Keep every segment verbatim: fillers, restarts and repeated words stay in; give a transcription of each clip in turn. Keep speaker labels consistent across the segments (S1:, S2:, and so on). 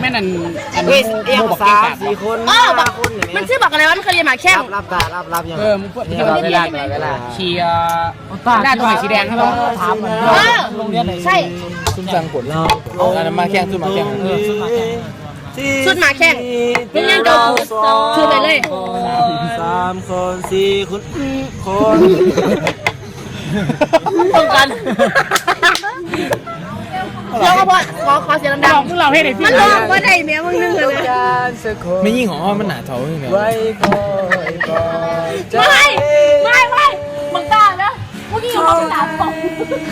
S1: ม่นั่นอัน
S2: เฮ้
S1: นี้
S2: ยเอียงสามสี่คนห้าคนมันชื่อบักอะไรวะมันเคยเรียนหมาแข้ง
S3: รับตารับรับยัง
S1: เออมึงพูดเวลาเวลาเชียร์หน้าตัวไหนสีแดงครับถามโรงเรียนไหนใช่ซุ่มสังกดเราอันนั้นมาแข่งซุ่มมาแข่งเออซุ่มมาแข่ง
S2: ชุดหมาแข้งนี่ยังเก่าคือไปเลย
S3: สามคนสี่คนคน
S2: ตรงกันแล้วก็พอขอขอเสียงดัง
S1: พวกเราให้ได้พี่
S2: มันร้องว่าได้แม่มึงนึงเลย
S1: ไม่ยิ่งของมันหนาเท่าอย่างเงี้ย
S3: ไว้คอยคอย
S2: ไม่ไม่ไม่มึงกล้านะเมื่อกี้อยู่ห้องสามสอง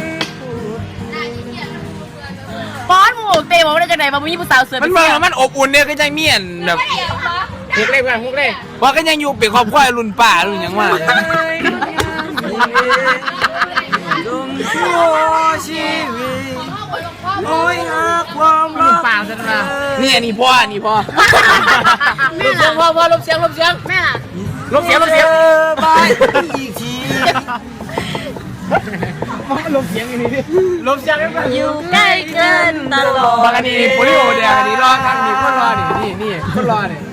S2: ป้อนหมูเตะบอกว่าจะไหนมามึงยี่ผู้สาวเสือ
S4: มันเมืองมันอบอุ่นเนี่ยก็ยังเมียนแบบ
S1: พวกเล่กันพวกเล่
S4: ว่าก็ยังอยู่เป็นครอบครัวรุ่นป่ารุ่นยังว่า
S3: จงชั่วชีวิตโอ้ยหาความรัก
S1: ป่าซะนะ
S4: นี่อันนี้พ่ออันนี้พ่อ
S1: ลบเสียงพ่อพ่อลบเสียงลบเสียง
S2: แม่ล่ะ
S1: ลบเสียงลบเสียง
S3: ไปอีกที
S1: ลบเสียงอย่างนี้ดิลบเสียงกัน
S2: อยู่ใกล้เกินตลอด
S4: บางอันนี้โปลิโอเดียวอันนี้รอทางนี้คนรอนี่นี่นี่คนรอนี่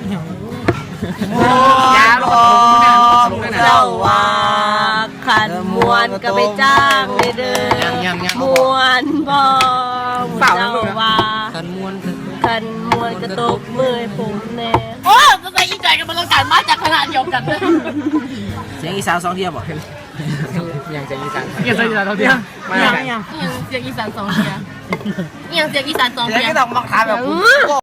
S1: ยาลงลง
S2: เจ้าว่าขันมวนก็ไปจ้างเลยเด้อมวนบ่เจ้าว่า
S3: กันมวน
S2: ขันมวนกระตกมือผมแน่โอ้จะไปอีใจกันบรรยากาศมาจากขนาดเดียวกันเลย
S3: เสียงอีสานสองเทียบบ่
S1: อย่างใจอีสานอย่างใจอีสานเท่าเทียมมา
S2: ยังยังเสียงอีสานสองเทียยังเสียงอีสานสอง
S3: เดี๋ยว
S2: เทีย
S3: ก็ต้องมาถามแบบ